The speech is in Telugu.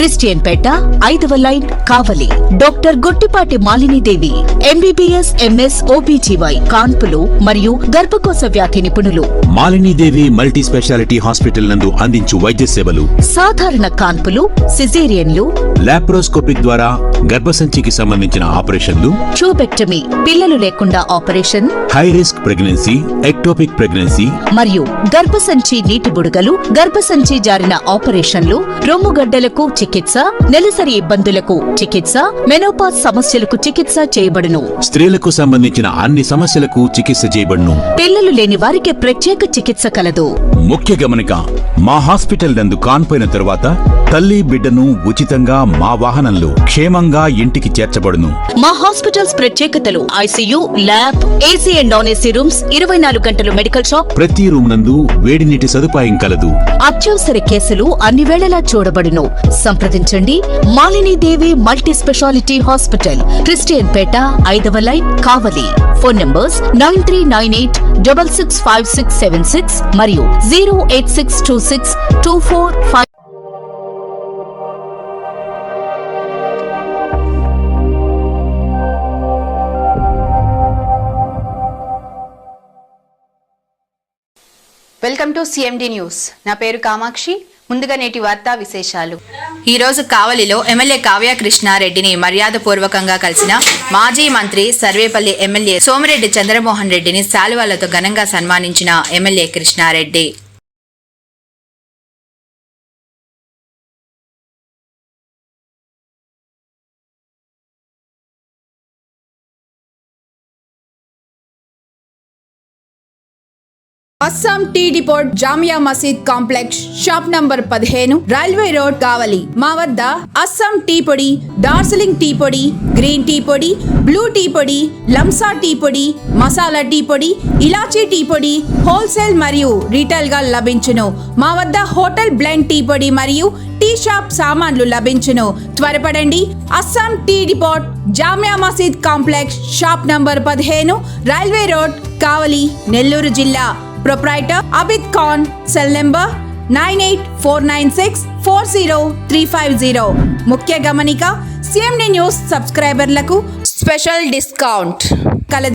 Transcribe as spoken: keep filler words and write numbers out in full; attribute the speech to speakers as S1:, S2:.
S1: క్రిస్టియన్ పేట ఐదవ line Kavali. Doctor Gottipati Malinidevi MBBS MS OBGY కాన్పులు మరియు గర్భకోశ వ్యాధి నిపుణులు.
S2: మాలినీదేవి మల్టీ స్పెషాలిటీ హాస్పిటల్ నందు అందించు వైద్య సేవలు
S1: సాధారణ కాన్పులు, సిజేరియన్లు,
S2: లాప్రోస్కోపిక్ ద్వారా గర్భసంచికి సంబంధించిన ఆపరేషన్లు,
S1: ట్యూబెక్టమీ పిల్లలు లేకుండా operation,
S2: high risk pregnancy, ectopic pregnancy
S1: మరియు గర్భసంచి నీటి బుడగలు, గర్భసంచి జారిన ఆపరేషన్లు, రొమ్ముగడ్డలకు చికిత్స, నెలసరి ఇబ్బందులకు చికిత్స, మెనోపాజ్ సమస్యలకు చికిత్స చేయబడును.
S2: స్త్రీలకు సంబంధించిన అన్ని సమస్యలకు చికిత్స చేయబడును.
S1: పిల్లలు లేని వారికి ప్రత్యేక చికిత్స కలదు.
S2: ముఖ్య గమనిక, మా హాస్పిటల్ నందు కాన్పోయిన తరువాత తల్లి బిడ్డను ఉచితంగా మా వాహనంలో క్షేమంగా ఇంటికి చేర్చబడును.
S1: మా హాస్పిటల్స్ ప్రత్యేకతలు: ICU, lab, AC and non AC rooms, ఇరవై నాలుగు గంటలు మెడికల్ షాప్,
S2: ప్రతి రూమ్ నందు వేడి నీటి సదుపాయం కలదు.
S1: అత్యవసర కేసులు అన్ని వేళలా చూడబడును. సంప్రదించండి Malinidevi multi specialty hospital, Christian పేట ఐదవ line Kavali. Phone numbers nine three nine eight double six five six seven six మరియు zero eight six two six two four five.
S3: Welcome to CMD news. నా పేరు కామాక్షి. ముందుగా నేటి వార్తా విశేషాలు. ఈ రోజు కావలిలో ఎమ్మెల్యే కావ్య కృష్ణారెడ్డిని మర్యాదపూర్వకంగా కలిసిన మాజీ మంత్రి సర్వేపల్లి ఎమ్మెల్యే సోమిరెడ్డి చంద్రమోహన్ రెడ్డిని శాలువాలతో ఘనంగా సన్మానించిన MLA Krishnareddy.
S4: Assam tea depot Jamia Masjid complex shop number పదిహేను, రైల్వే రోడ్ కావలి. మా వద్ద అస్సాం టీ పొడి, డార్జిలింగ్ టీ పొడి, గ్రీన్ టీ పొడి, బ్లూ టీ పొడి, లంసా టీ పొడి, మసాలా టీ పొడి, ఇలాచీ టీ పొడి హోల్సేల్ మరియు రీటైల్ గా లభించును. మా వద్ద హోటల్ బ్లెండ్ టీ పొడి మరియు టీ షాప్ సామాన్లు లభించును. త్వరపడండి. Assam tea depot Jamia Masjid complex shop number పదిహేను, రైల్వే రోడ్ కావలి, నెల్లూరు జిల్లా. Proprietor Abid Khan. Cell number nine eight four nine six four zero three five zero. ముఖ్య గమనిక, సిఎండి న్యూస్ సబ్స్క్రైబర్లకు స్పెషల్ డిస్కౌంట్ కలదు.